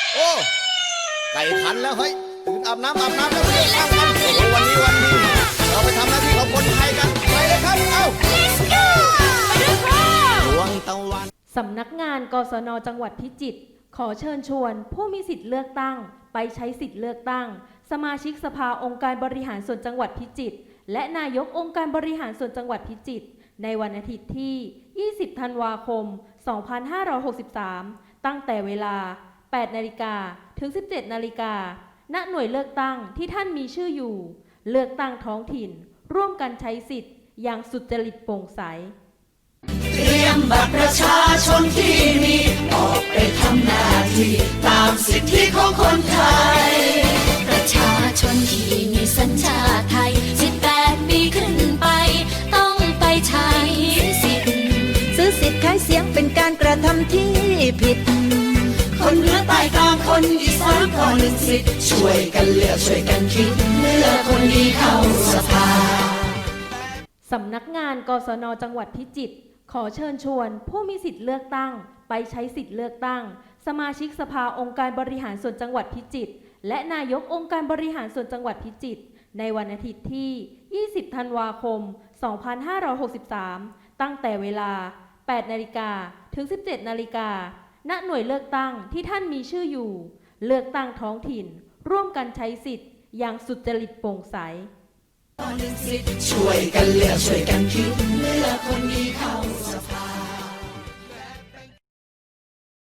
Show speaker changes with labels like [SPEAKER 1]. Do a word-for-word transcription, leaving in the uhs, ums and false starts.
[SPEAKER 1] โอ้ไก่ขันแล้วเฮ้ยตื่นอาบน้ำอาบน้ำแล้วเรียกข้ามกันโอ้โหวันนี้วันนี้เราไปทำหน้าที่ของคนไทยกันไปเลยครับเอ้า
[SPEAKER 2] Let's go ไปด้วยค่ะ
[SPEAKER 1] ดวงตะวัน
[SPEAKER 3] สำนักงานกศนจังหวัดพิจิตรขอเชิญชวนผู้มีสิทธิ์เลือกตั้งไปใช้สิทธิ์เลือกตั้งสมาชิกสภาองค์การบริหารส่วนจังหวัดพิจิตรและนายกองค์การบริหารส่วนจังหวัดพิจิตรในวันอาทิตย์ที่ ยี่สิบ ธันวาคม สองพันห้าร้อยหกสิบสาม ตั้งแต่เวลา แปด นาฬิกาถึง สิบเจ็ด นาฬิกาณหน่วยเลือกตั้งที่ท่านมีชื่ออยู่เลือกตั้งท้องถิ่นร่วมกันใช้สิทธิ์อย่างสุจริตโปร่งใส
[SPEAKER 4] เตรียมบัตรประชาชนที่มีออกไปทำหน้าที่ตามสิทธิของคนไทย
[SPEAKER 2] ประชาชนที่มีสัญชาติไทยสิบแปดปีขึ้นไปต้องไปใช้สิทธิ์
[SPEAKER 4] ซื้อสิทธิ์ขายเสียงเป็นการกระทำที่ผิดคนเหนือใต้กลางคนอีสานก็หนึ่งสิทธิ์ช่วยกันเลือกช่วยกันคิดเลือกคนดีเข้าสภา
[SPEAKER 3] สำนักงานกศนจังหวัดพิจิตรขอเชิญชวนผู้มีสิทธิ์เลือกตั้งไปใช้สิทธิ์เลือกตั้งสมาชิกสภาองค์การบริหารส่วนจังหวัดพิจิตรและนายกองค์การบริหารส่วนจังหวัดพิจิตรในวันอาทิตย์ที่ ยี่สิบ ธันวาคม สองพันห้าร้อยหกสิบสาม ตั้งแต่เวลา แปด นาฬิกาถึง สิบเจ็ด นาฬิกาณหน่วยเลือกตั้งที่ท่านมีชื่ออยู่เลือกตั้งท้องถิ่นร่วมกันใช้สิทธิ์อย่างสุจริตโปร่งใส
[SPEAKER 4] ช่วยกันเลือกช่วยกันคิดเลือกคนดีเข้าสภา